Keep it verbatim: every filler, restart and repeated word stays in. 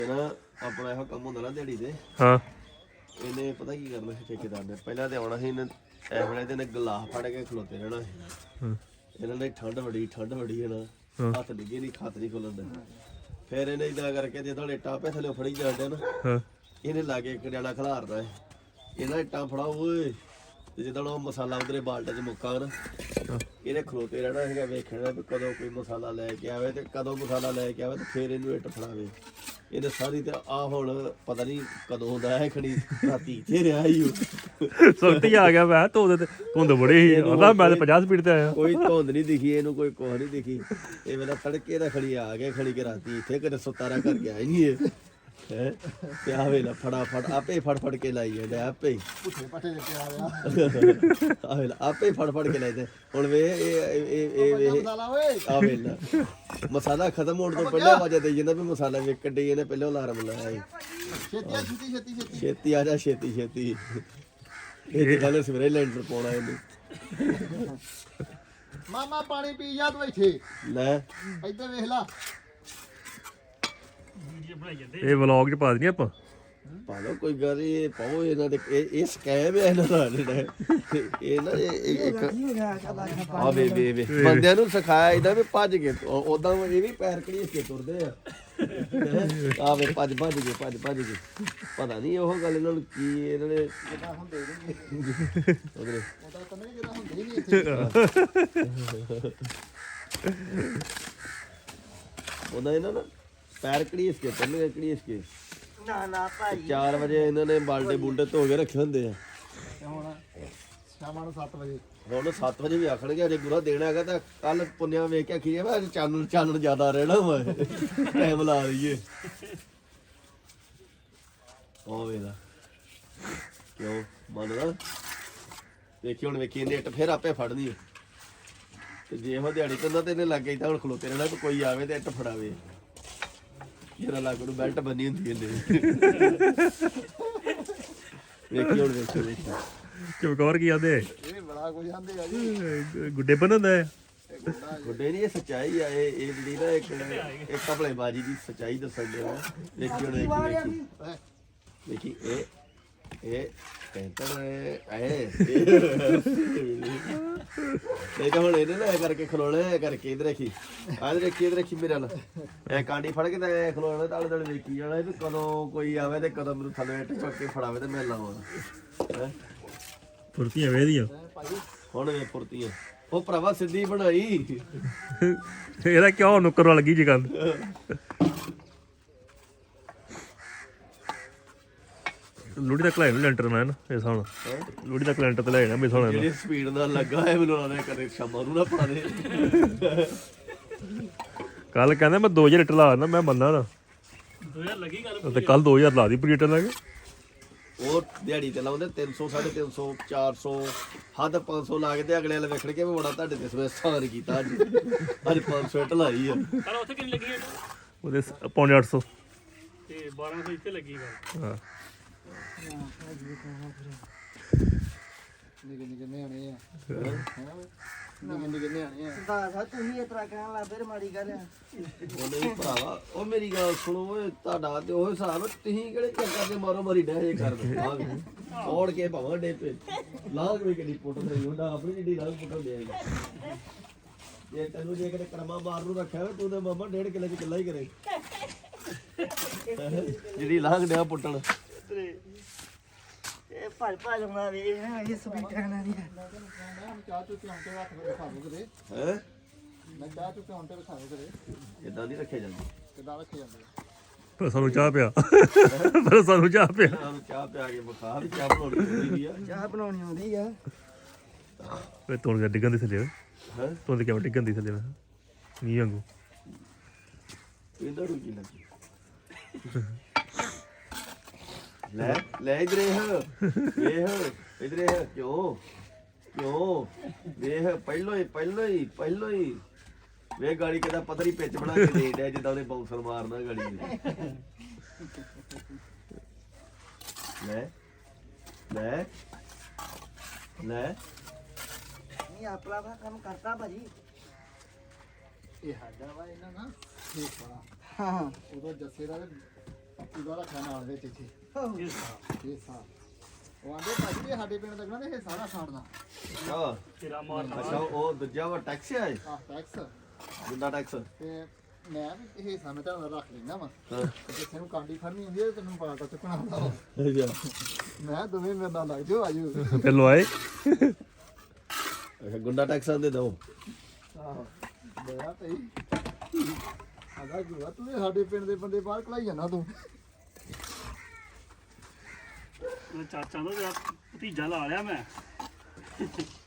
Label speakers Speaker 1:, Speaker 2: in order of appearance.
Speaker 1: ਨਾ ਆਪਣਾ ਇਹੋ ਕੰਮ ਹੁੰਦਾ ਨਾ ਦਿਹਾੜੀ ਦੇ।
Speaker 2: ਹਾਂ
Speaker 1: ਇਹਨੇ ਪਤਾ ਕੀ ਕਰਨਾ ਸੀ ਠੇਕੇਦਾਰ ਨੇ, ਪਹਿਲਾਂ ਤੇ ਆਉਣਾ ਸੀ ਇਹਨੇ ਐ ਵੇਲੇ ਤੇ ਇਹਨੇ ਗਲਾਸ ਫੜ ਕੇ ਖਲੋਤੇ ਰਹਿਣਾ ਸੀ। ਇਹਨਾਂ ਨੇ ਠੰਡ ਬੜੀ ਠੰਡ ਬੜੀ ਹੈ ਨਾ, ਹੱਥ ਡਿੱਗੇ ਨਹੀਂ, ਖੱਤ ਨਹੀਂ ਖੁੱਲਦਾ। ਫਿਰ ਇਹਨੇ ਇਦਾਂ ਕਰਕੇ ਜੇ ਤੁਹਾਡੇ ਟਾਪੇ ਥੱਲੇ ਫੜੀ ਜਾਂਦੇ ਨਾ, ਇਹਨੇ ਲਾਗੇ ਇੱਕ ਜਣਾ ਖਿਲਾਰਦਾ ਹੈ, ਇਹਨਾਂ ਇੱਟਾਂ ਫੜਾਓ ਓਏ, ਤੇ ਜਦੋਂ ਉਹ ਮਸਾਲਾ ਉਧਰੇ ਬਾਲਟੇ 'ਚ ਮੁੱਕਾ ਨਾ, ਇਹਨੇ ਖਲੋਤੇ ਰਹਿਣਾ ਸੀਗਾ ਵੇਖਣਾ ਵੀ ਕਦੋਂ ਕੋਈ ਮਸਾਲਾ ਲੈ ਕੇ ਆਵੇ, ਤੇ ਕਦੋਂ ਮਸਾਲਾ ਲੈ ਕੇ ਆਵੇ ਤੇ ਫਿਰ ਇਹਨੂੰ ਇੱਟ ਫੜਾਵੇ। ਇਹਨੇ ਸਾਰੀ ਤੇ ਆ ਹੁਣ ਪਤਾ ਨਹੀਂ ਕਦੋਂ ਹੁੰਦਾ ਹੈ, ਖੜੀ ਰਾਤੀ ਇੱਥੇ ਰਿਹਾ ਹੀ ਉਹ
Speaker 2: ਸੁੱਤੀ ਆ ਗਿਆ। ਮੈਂ ਧੁੰਦ ਤੇ ਧੁੰਦ ਬੜੀ ਸੀ, ਉਹਦਾ ਮੈਂ ਤੇ ਪੰਜਾਹ ਸਪੀਡ ਤੇ ਆਇਆ।
Speaker 1: ਕੋਈ ਧੁੰਦ ਨਹੀਂ ਦਿਖੀ ਇਹਨੂੰ, ਕੋਈ ਕੁਛ ਨਹੀਂ ਦਿਖੀ। ਇਹ ਵੇਲਾ ਤੜਕੇ ਦਾ ਖੜੀ ਆ ਗਿਆ, ਖੜੀ ਕੇ ਰਾਤੀ ਇੱਥੇ ਕਦੇ ਸੁਤਾਰਾ ਕਰ ਗਿਆ ਹੀ ਨਹੀਂ ਇਹ ਹੈ। ਤੇ ਆ ਵੇਲਾ ਫਟਾਫਟ ਆਪੇ ਫੜ ਫੜ ਕੇ ਲਾਈ ਜਾਂਦੇ, ਆਪੇ
Speaker 3: ਪੁੱਠੇ ਪੱਠੇ ਦੇ ਪਿਆ ਆ
Speaker 1: ਆ ਵੇਲਾ ਆਪੇ ਫੜ ਫੜ ਕੇ ਲਾਈਦੇ। ਹੁਣ ਵੇ ਇਹ ਇਹ ਇਹ
Speaker 3: ਮਸਾਲਾ ਓਏ
Speaker 1: ਆ ਵੇਲਾ ਮਸਾਲਾ ਖਤਮ ਹੋਣ ਤੋਂ ਪਹਿਲਾਂ ਆਵਾਜ਼ ਦੇ ਜਾਂਦਾ ਵੀ ਮਸਾਲਾ ਵੇਖਣ ਡਈ, ਇਹਨੇ ਪਹਿਲਾਂ ਅਲਾਰਮ ਲਾਇਆ ਸੀ।
Speaker 3: ਛੇਤੀ ਆ, ਛੇਤੀ ਛੇਤੀ ਛੇਤੀ
Speaker 1: ਛੇਤੀ ਆ ਜਾ, ਛੇਤੀ ਛੇਤੀ। ਇਹ ਗੱਲ ਸਵੇਰੇ ਲੈਂਟਰ ਪਾਉਣਾ ਇਹਨੂੰ।
Speaker 3: ਮਾਮਾ ਪਾਣੀ ਪੀ ਜਾ ਤੂੰ ਇੱਥੇ,
Speaker 1: ਲੈ
Speaker 3: ਇੱਧਰ ਵੇਖ ਲਾ।
Speaker 2: ਇਹ ਵਲੌਗ 'ਚ ਪਾ ਦਈਏ ਆਪਾਂ।
Speaker 1: ਪਾ ਲਓ ਕੋਈ ਗੱਲ ਨੀ, ਇਹ ਪਾਓ ਇਹਨਾਂ ਦੇ। ਇਹ ਇਹ ਸਕੈਮ ਹੈ ਇਹਨਾਂ ਦਾ ਜਿਹੜਾ ਇਹ ਨਾ ਇਹ ਇੱਕ ਆ ਵੇ ਵੇ ਵੇ ਬੰਦਿਆਂ ਨੂੰ ਸਿਖਾਇਆ ਇਹਦਾ ਵੀ ਭੱਜ ਕੇ ਉਦਾਂ ਇਹ ਵੀ ਪੈਰ ਘੜੀਸ ਕੇ ਤੁਰਦੇ ਆ। ਆ ਵੇ ਭੱਜ ਭੱਜ ਕੇ ਭੱਜ ਭੱਜ ਕੇ ਪਤਾ ਨਹੀਂ ਉਹ ਗੱਲ ਇਹਨਾਂ ਨੂੰ ਕੀ ਇਹਨਾਂ ਨੇ
Speaker 3: ਜਿੱਦਾਂ ਹੁੰਦੇ ਨਹੀਂ
Speaker 1: ਉਹਦੇ
Speaker 3: ਉਹਦਾ ਤਾਂ ਨਹੀਂ, ਜਿਹੜਾ ਹੁੰਦੇ ਹੀ ਨਹੀਂ ਇੱਥੇ।
Speaker 1: ਉਹਦਾ ਇਹਨਾਂ ਨਾ ਪੈਰ ਘੜੀਸ ਕੇ ਤੁਰਨੇ, ਘੜੀਸ ਕੇ।
Speaker 4: ਨਾ ਨਾ ਭਾਈ
Speaker 1: ਚਾਰ ਵਜੇ ਇਹਨਾਂ ਨੇ ਬਾਲਟੇ ਬੁਲਟੇ ਧੋ ਕੇ ਰੱਖੇ ਹੁੰਦੇ ਆ।
Speaker 3: ਤੇ ਹੁਣ ਸ਼ਾਮਾਂ ਨੂੰ ਸੱਤ ਵਜੇ
Speaker 1: ਹੁਣ ਸੱਤ ਵਜੇ ਵੀ ਆਖਣਗੇ ਅਜੇ ਗੁਰਾ ਦੇਣਾ ਹੈਗਾ, ਤਾਂ ਕੱਲ ਪੁੰਨਿਆ ਵੇਖ ਕੇ ਆਖੀ ਜਾਵੇ ਅੱਜ ਚਾਨਣ ਚਾਨਣ ਜ਼ਿਆਦਾ ਰਹਿਣਾ ਵਾ, ਟਾਈਮ ਲਾ ਲਈਏ। ਉਹ ਵੇਲਾ ਕਿਉਂ ਮੰਨਦਾ ਵੇਖੀ, ਹੁਣ ਵੇਖੀ ਇਹਨੇ ਇੱਟ ਫਿਰ ਆਪੇ ਫੜਨੀ ਹੈ। ਤੇ ਜੇ ਉਹ ਦਿਹਾੜੀ ਕੰਦਾ ਤੇ ਇਹਨੇ ਲੱਗ ਗਈ ਤਾਂ ਹੁਣ ਖਲੋਤੇ ਰਹਿਣਾ ਵੀ ਕੋਈ ਆਵੇ ਤੇ ਇੱਟ ਫੜਾਵੇ। ਜਿਹੜਾ ਲੱਗ ਨੂੰ ਬੈਲਟ ਬੰਨੀ ਹੁੰਦੀ ਇਹਨੇ। ਵੇਖੀ ਹੁਣ ਵੇਖੀ ਵੇਖੀ
Speaker 2: ਚਮਕੌਰ ਕੀ ਆਂਦੇ?
Speaker 3: ਇਹ ਬੜਾ ਕੁਝ ਆਂਦੇ ਆ ਜੀ।
Speaker 2: ਗੁੱਡੇ ਬੰਨਦਾ ਹੈ।
Speaker 1: ਗੁੱਡੇ ਨਹੀਂ, ਇਹ ਸੱਚਾਈ ਆ। ਇਹ ਇਹ ਜਿਹੜੀ ਨਾ ਇੱਕ ਇੱਕ ਕਪੜੇਬਾਜੀ ਦੀ ਸੱਚਾਈ ਦੱਸਣ ਦੇ ਆ। ਵੇਖੀ ਹੁਣ ਵੇਖੀ ਵੇਖੀ ਵੇਖੀ ਇਹ ਇਹ ਕਹਿੰਦਾ ਐ ਇਹ ਤਾਂ ਹੁਣ ਇਹਨੇ ਨਾ ਕਰਕੇ ਖਲੋਣਾ, ਐ ਕਰਕੇ ਇਧਰ ਰੱਖੀ, ਆਹ ਰੱਖੀ ਇਧਰ ਰੱਖੀ ਮੇਰੇ ਨਾਲ ਐ ਕਾਂਡੀ ਫੜ ਕੇ ਤੇ ਐ ਖਲੋਣਾ, ਤਾਲੇ ਤਾਲੇ ਵੇਖੀ ਜਾਣਾ ਵੀ ਕਦੋਂ ਕੋਈ ਆਵੇ ਤੇ ਕਦੋਂ ਮੈਨੂੰ ਥੱਲੇ ਇੱਟ ਚੁੱਕ ਕੇ ਫੜਾਵੇ ਤੇ ਮੈਂ ਲਾਵਾਂ। ਹੈ
Speaker 2: ਫੁਰਤੀਆਂ ਵੇਦੀਆਂ
Speaker 1: ਹੁਣ ਵੇ ਫੁਰਤੀਆਂ। ਉਹ ਭਰਾਵਾ ਸਿੱਧੀ ਬਣਾਈ।
Speaker 2: ਇਹਦਾ ਕਿਉਂ ਨੁੱਕਰ ਵੱਲ ਗਈ ਜੀ ਗੱਲ। ਲੋੜੀ ਤੱਕ ਲੈ ਲੈਂਟਰ ਮੈਂ ਨਾ ਇਸ ਹੁਣ ਲੋੜੀ ਤੱਕ ਲੈਂਟਰ ਤੇ ਲੈ ਜਾਣਾ ਮੇਰੇ ਹੁਣ।
Speaker 1: ਜਿਹੜੀ ਸਪੀਡ ਨਾਲ ਲੱਗਾ ਹੈ ਮੈਨੂੰ ਲੱਗਦਾ ਕਦੇ ਸ਼ਾਮਾਂ ਨੂੰ ਨਾ ਪਾ ਦੇ।
Speaker 2: ਕੱਲ ਕਹਿੰਦਾ ਮੈਂ ਦੋ ਹਜ਼ਾਰ ਲੀਟਰ ਲਾ ਦਿੰਦਾ, ਮੈਂ ਮੰਨਣਾ ਨਾ। ਦੋ ਹਜ਼ਾਰ ਲੱਗੀ ਗੱਲ ਤੇ ਕੱਲ ਦੋ ਹਜ਼ਾਰ ਲਾ ਦੀ ਪ੍ਰੀਟਰ ਲੱਗ।
Speaker 1: ਉਹ ਦਿਹਾੜੀ ਤੇ ਲਾਉਂਦੇ ਤਿੰਨ ਸੌ ਸਾਢੇ ਤਿੰਨ ਸੌ ਚਾਰ ਸੌ ਹੱਦ ਪੰਜ ਸੌ ਲਾ ਕੇ ਤੇ ਅਗਲੇ ਵਾਲੇ ਵੇਖਣ ਕੇ ਵੀ ਬੜਾ ਤੁਹਾਡੇ ਤੇ ਸਵੇਰ ਸਾਰ ਕੀਤਾ ਅੱਜ ਅੱਜ ਪੰਜ ਸੌ ਇੱਟ ਲਾਈ ਆ।
Speaker 5: ਪਰ ਉੱਥੇ ਕਿੰਨੀ ਲੱਗੀ
Speaker 2: ਉਹਦੇ ਪੌਣੇ ਅੱਠ ਸੌ
Speaker 5: ਤੇ ਬਾਰਾਂ ਸੌ ਇੱਥੇ ਲੱਗੀ ਗੱਲ।
Speaker 2: ਹਾਂ
Speaker 3: ਨਿੱਕੇ ਨਿੱਕੇ ਨਿਆਣੇ ਆ, ਨਿੱਕੇ ਨਿੱਕੇ ਨਿਆਣੇ ਆ।
Speaker 4: ਦੱਸ ਤੂੰ ਹੀ ਇਤਰਾ ਕਹਿਣ ਲੱਗ ਫਿਰ ਮਾੜੀ ਗੱਲ ਆ।
Speaker 1: ਉਹ ਨਹੀਂ ਭਰਾਵਾ, ਉਹ ਮੇਰੀ ਗੱਲ ਸੁਣੋ ਓਏ, ਤੁਹਾਡਾ ਤੇ ਉਹ ਹਿਸਾਬ ਤੁਸੀਂ ਕਿਹੜੇ ਚੱਕਰ ਦੇ ਮਾਰੋ ਮਾਰੀ ਡੈ ਜੇ ਕਰਦੇ ਆ ਔੜ ਕੇ ਭਾਵਾਂ ਡੇ ਪੇ ਲਾਗ ਵੀ ਕਿਹੜੀ ਪੁੱਟ ਰਹੀ ਹੁੰਦਾ ਆਪਣੀ ਜਿਹੜੀ ਲਾਗ ਪੁੱਟ ਦੇ ਜੇ ਤੈਨੂੰ ਜੇ ਕਿਤੇ ਕਰਮਾ ਮਾਰ ਨੂੰ ਰੱਖਿਆ ਹੋਵੇ ਤੂੰ ਤੇ ਮਾਮਾ ਡੇਢ ਕਿੱਲੇ ਚ ਕਿੱਲਾ ਹੀ ਕਰੇ ਜਿਹੜੀ ਲਾਗ ਡਿਆ ਪੁੱਟਣ।
Speaker 4: ਇਹ ਭੱਜ ਭੱਜ ਹੋਣਾ ਵੇ ਇਹ ਸਪੀਕਰਾਂ ਨਾਲ ਨਹੀਂ।
Speaker 3: ਚਾਹ ਚੁੱਕ ਕੇ ਆਉਂਦੇ ਹੱਥ ਵਿੱਚ ਖਾ ਲਓ ਕਦੇ।
Speaker 1: ਹੈ
Speaker 3: ਮੈਂ ਚਾਹ ਚੁੱਕ ਕੇ ਆਉਂਦੇ ਖਾ ਲਓ ਕਦੇ।
Speaker 1: ਇਦਾਂ ਨਹੀਂ ਰੱਖਿਆ ਜਾਂਦਾ।
Speaker 3: ਕਿੱਦਾਂ ਰੱਖੇ ਜਾਂਦੇ ਆ?
Speaker 2: ਪਰ ਸਾਨੂੰ ਚਾਹ ਪਿਆ ਪਰ ਸਾਨੂੰ ਚਾਹ ਪਿਆ
Speaker 1: ਸਾਨੂੰ ਚਾਹ ਪਿਆ ਕੇ ਵਿਖਾ ਵੀ ਚਾਹ ਬਣਾਉਣੀ ਚਾਹੀਦੀ ਆ।
Speaker 4: ਚਾਹ ਬਣਾਉਣੀ ਆਉਂਦੀ ਆ।
Speaker 2: ਵੇ ਤੋੜ ਡਿੱਗਣ ਦੀ ਥੱਲੇ
Speaker 1: ਹੈ
Speaker 2: ਤੋੜ ਕਿਵੇਂ ਡਿੱਗਣ ਦੀ ਥੱਲੇ ਮੀਂਹ ਵਾਂਗੂ।
Speaker 1: ਇਹਦਾ ਨੂੰ ਕੀ ਲੱਗੀ ਲੈ ਲੈ ਇਧਰੇ ਹ ਵੇਖ ਇਧਰੇ ਹ ਕਿਉਂ ਕਿਉਂ ਵੇਖ ਪਹਿਲੋਂ ਹੀ ਪਹਿਲੋਂ ਹੀ ਪਹਿਲੋਂ ਹੀ ਵੇ ਗਾੜੀ ਕਿਦਾ ਪਤਰੀ ਪਿੱਚ ਬਣਾ ਕੇ ਦੇ ਡਿਆ ਜਿੱਦਾਂ ਉਹਨੇ ਬਾਉਂਸਰ ਮਾਰਨਾ ਗਾੜੀ ਨੂੰ। ਲੈ ਲੈ ਲੈ
Speaker 4: ਨਹੀਂ ਆਪਣਾ ਵਾ ਕੰਮ ਕਰਤਾ ਭਾਜੀ।
Speaker 3: ਇਹ ਸਾਡਾ ਵਾ ਇਹਨਾਂ ਨਾ ਠੀਕ ਬੜਾ।
Speaker 4: ਹਾਂ
Speaker 3: ਉਦੋਂ ਜੱਸੇ ਦਾ ਇਹਦਾ ਰੱਖਿਆ ਨਾਲ ਵਿੱਚ ਇੱਥੇ
Speaker 5: ਇਹ ਸਾਹ
Speaker 3: ਹਿੱਸਾ ਉਹ ਆਂਦੇ ਭਾਜੀ ਇਹ ਸਾਡੇ ਪਿੰਡ ਲੱਗਣਾ ਤੇ ਇਹ ਸਾਰਾ ਛਾੜਨਾ
Speaker 1: ਆ
Speaker 5: ਤੇਰਾ ਮਾਰਨਾ
Speaker 1: ਅੱਛਾ ਉਹ ਦੂਜਾ ਵਾ ਟੈਕਸ ਹੈ
Speaker 3: ਆਹ ਟੈਕਸ
Speaker 1: ਗੁੰਡਾ ਟੈਕਸ
Speaker 3: ਤੇ ਮੈਂ ਵੀ ਇਹ ਹਿੱਸਾ ਮੈਂ ਤੁਹਾਨੂੰ ਰੱਖ ਲੈਣਾ ਵਾ
Speaker 1: ਹਾਂ
Speaker 3: ਤੇ ਜਿੱਥੇ ਨੂੰ ਕਾਂਡੀ ਫੜਨੀ ਹੁੰਦੀ ਹੈ ਤੈਨੂੰ ਪਾਟਾ ਚੁੱਕਣਾ ਹੁੰਦਾ ਵਾ।
Speaker 1: ਅੱਛਾ
Speaker 3: ਮੈਂ ਦੋਵੇਂ ਮੇਰੇ ਨਾਲ ਲੱਗ ਜਾਓ ਆਜੋ
Speaker 2: ਫਿਰ ਲਵਾਏ
Speaker 1: ਅੱਛਾ ਗੁੰਡਾ ਟੈਕਸ ਦੇ ਦੋ
Speaker 3: ਆਹੋ ਬੜਾ ਤਈ ਆਦਾ ਗੁਆ ਤੂੰ ਵੀ ਸਾਡੇ ਪਿੰਡ ਦੇ ਬੰਦੇ ਬਾਹਰ ਕਲਾਈ ਜਾਣਾ ਤੂੰ
Speaker 5: ਚਾਚਾ ਦਾ ਤੇਰਾ ਭਤੀਜਾ ਲਾ ਲਿਆ ਮੈਂ